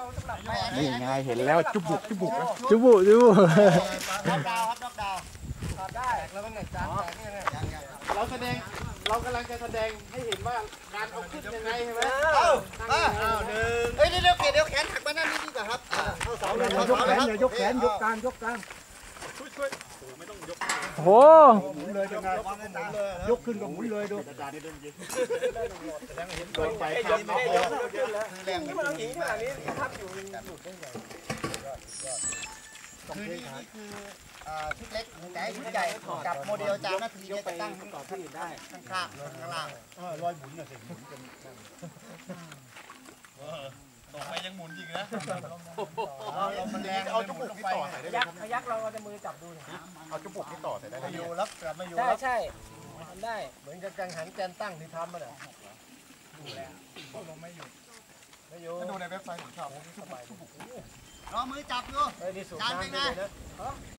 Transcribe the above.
นี่ไงเห็นแล้วจุบุกจุบุกจุบุจุบุดอกดาวครับดอกดาวถอดได้แล้วมันไหนจานแตกนี่ไงเรากำลังจะแสดงให้เห็นว่าการเอาขึ้นยังไงใช่ไหมหนึ่งเฮ้ยเดี๋ยวแขนหักมาหน้านี้ดีกว่าครับเข้าเสาเลยยกแขนยกแขนยกกลางช่วยไม่ต้องยกโหหมุนเลยยังไงยกขึ้นก็หมุนเลยดูอาจารย์นี่เดินยิงโดนไปครับแรงนี่มันเอาหินขนาดนี้ทับอยู่คือนี่คือชุดเล็กแต่ชุดใหญ่กับโมเดลจานนาทีจะตั้งต่อที่อื่นได้ข้างข้างล่างรอยหมุนน่ะสิต่อไปยังหมุนอีกนะมันแรงเอาจุกที่ต่อใส่ได้พยักเราเอาแต่มือจับดูเอาจุกที่ต่อใส่ได้ไม่อยู่แล้วกลับไม่อยู่ใช่ทำได้เหมือนกับกังหันแกนตั้งที่ทำมาเนี่ยไม่อยู่ดูในเว็บไซต์ของชาวรอมือจับดูจานเป็นไง